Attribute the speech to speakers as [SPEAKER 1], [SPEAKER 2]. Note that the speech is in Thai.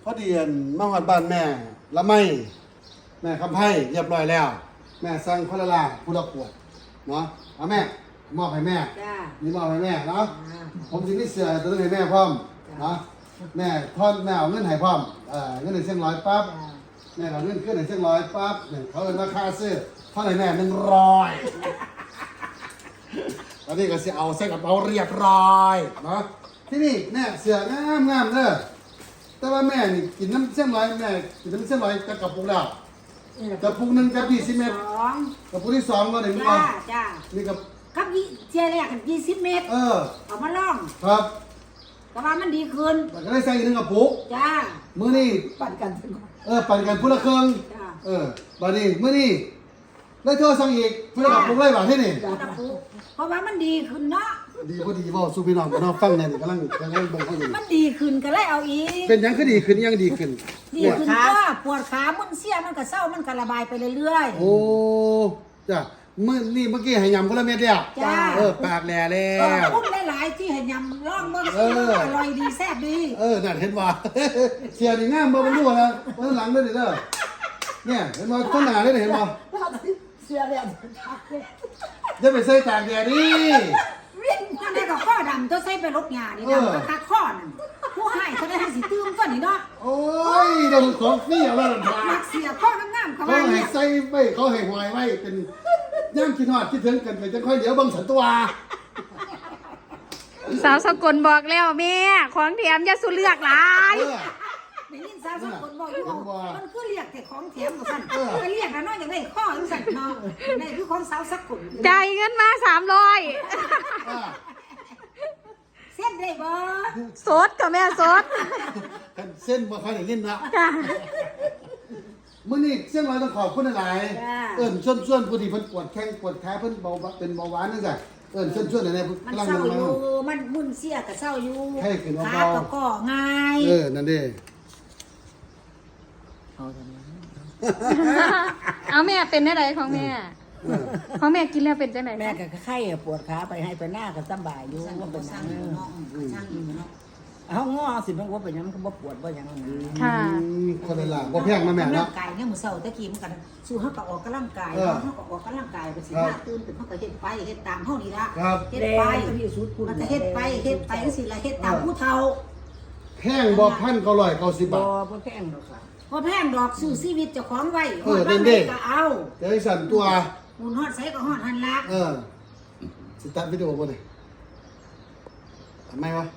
[SPEAKER 1] อดีมาหอดบ้านแม่ละไม่แม่คำไพ่เรียบร้อยแล้ว แม่สั่งคนละลาผู้ละขวดเนาะเอาแม่มอบให้แม่นี่มอบให้แม่เนาะผมสิมีเสื้อตัวนึงให้แม่พร้อมเนาะแม่ทอนแม่เอาเงินให้พร้อมเงิน100ปั๊บแม่เอาเงินขึ้น100ปั๊บเนี่ยเขาเลยราคาซื้อเท่าไหร่แม่100ตอนนี้ก็สิเอาใส่กระเป๋าเรียบร้อยเนาะที่นี่แม่เสื้องามเด้อแต่ว่าแม่นี่กินน้ำเส้นร้อยแม่กินน้ำเส้นร้อยจะกระปุกแล้วกระปุกหนึ่งกับ20 เม็ดกระปุกที่2ก็ได้มั้ย
[SPEAKER 2] จ้า
[SPEAKER 1] นี่กับ
[SPEAKER 2] เจียแรกกัน20 เม็ดเอามาลอง
[SPEAKER 1] ครับ
[SPEAKER 2] แต่ว่ามันดีขึ้น
[SPEAKER 1] แต่ก็ได้ใส่อีก1กระปุก
[SPEAKER 2] จ้า
[SPEAKER 1] มื้อนี้
[SPEAKER 2] ปั่นกัน
[SPEAKER 1] ปั่นกันผู้ละครึ่งบัดนี้มื้อนี้ได้โทรสั่งอีกผู้ละกระปุกเลยบาดที่นี่
[SPEAKER 2] เพราะว่ามันดีขึ้นเนาะ
[SPEAKER 1] ดีบ่ดีบ่สู้พี่น้องพี่น้องฟังแน่นี่กำลังเบิ่งเขาอยู่
[SPEAKER 2] มันดีขึ้นก็เลยเอาอีก
[SPEAKER 1] เป็นหยังคือดีขึ้นยังดีขึ้น
[SPEAKER 2] ก็ปวดขามึนเสียมันก็เศร้ามันก็ระบายไปเรื่อย
[SPEAKER 1] ๆโอ้จ้ะเมื่อกี้ให้ยำคนละเม็ดแล้วปากแหล่แล้ว
[SPEAKER 2] พุ่มหลายๆที่ให้ยำร่องมันอร่อยดีแซ่บดี
[SPEAKER 1] นั่นเห็นว่าเสียนี่งามบ่บ่รู้นะวันหลังด้วยเด้อเนี่ยเห็นบ่ต้นหน้าเลยเห็นบ่
[SPEAKER 2] เสียแล้ว
[SPEAKER 1] จะไปใส่ตากแดดดิ
[SPEAKER 2] วิ่งนั่นได้กับข้อดำตัวใส่ไปรถงานนี่ดำตาข้อนั่นผู้ให้เขาได้ให้สิตื้มก่อนนี่เนาะ
[SPEAKER 1] โอ้ยเดี๋ยวของฟรีเอาแล้วนั่น
[SPEAKER 2] นักเสียข้องามๆเขา
[SPEAKER 1] ให้ใส่ไว้เขาให้หอยไว้เป็นย่างคิดฮอดคิดถึงกันไปจังค่อยเดี๋ยวเบิ่งสันตัว
[SPEAKER 3] สาวสกลบอกแล้วแม่ของแถมอย่าสุเลือกหลาย
[SPEAKER 2] ได้ยินสาวสกลบอกอยู่มันคือเรียกแต่ของแถมสั่นก็เรียกกันเนาะอย่างได้ข้อสั่นเนาะนี่คือของสาวสกล
[SPEAKER 3] จ่ายเงินมา300
[SPEAKER 2] เส้นได้บ่
[SPEAKER 3] สดกับแม่สด
[SPEAKER 1] เส้นบ่ค่อยได้ยินนะมื้อนี้เส้นร้อยต้องขอบคุณหลายชวนผู้ที่เพิ่นปวดแข้งปวดขาเพิ่นเป็นเบาหวานจังซี่ชวนๆได้
[SPEAKER 2] มันเศร้าอยู่มันมึนเสียก็เศร้าอยู่ขาก็ง่าย
[SPEAKER 1] นั่นเด้
[SPEAKER 3] เอาแม่เป็นได้ไรของแม่ของแม่กินแล้วเป็นจังไหน
[SPEAKER 2] แม่ก็ไข้ปวดขาไปให้ไปหน้าก็สบายอยู่ว่าเป็นช่างอยู่เนาะช่างอยู่เนาะเอาง้อสิมันว่าเป็นยังมันก็บ่ปวดบ่ยัง
[SPEAKER 3] ค่ะ
[SPEAKER 1] คนละล่ะบ่แพงมาแม่เนาะ
[SPEAKER 2] ร่างกายเนี่ยมื้อเช้าตะกี้มันก็สู้เฮาก็ออกกำลังกายเฮาก็ออกกำลังกายไปสิหน้าตื่นเป็นเฮาก็เฮ็ดไปเฮ็ดตามเฮานี่ล่ะเฮ็ดไปมันก็เฮ็ดไปจังซี่ล่ะเฮ็ดตามผู้เฒ่า
[SPEAKER 1] แพงบ่1,990 บาท
[SPEAKER 2] บ่แพงดอกค่ะบ่แพงดอกสู้ชีวิตเจ้าของไว้
[SPEAKER 1] ฮอดบ้านได้
[SPEAKER 2] ก็เอา
[SPEAKER 1] จะให้สั่นตัว
[SPEAKER 2] หมุนฮอดไสก็ฮอดหั่นล่ะ
[SPEAKER 1] สิตัดวิดีโอบ่ได้ทำไมวะ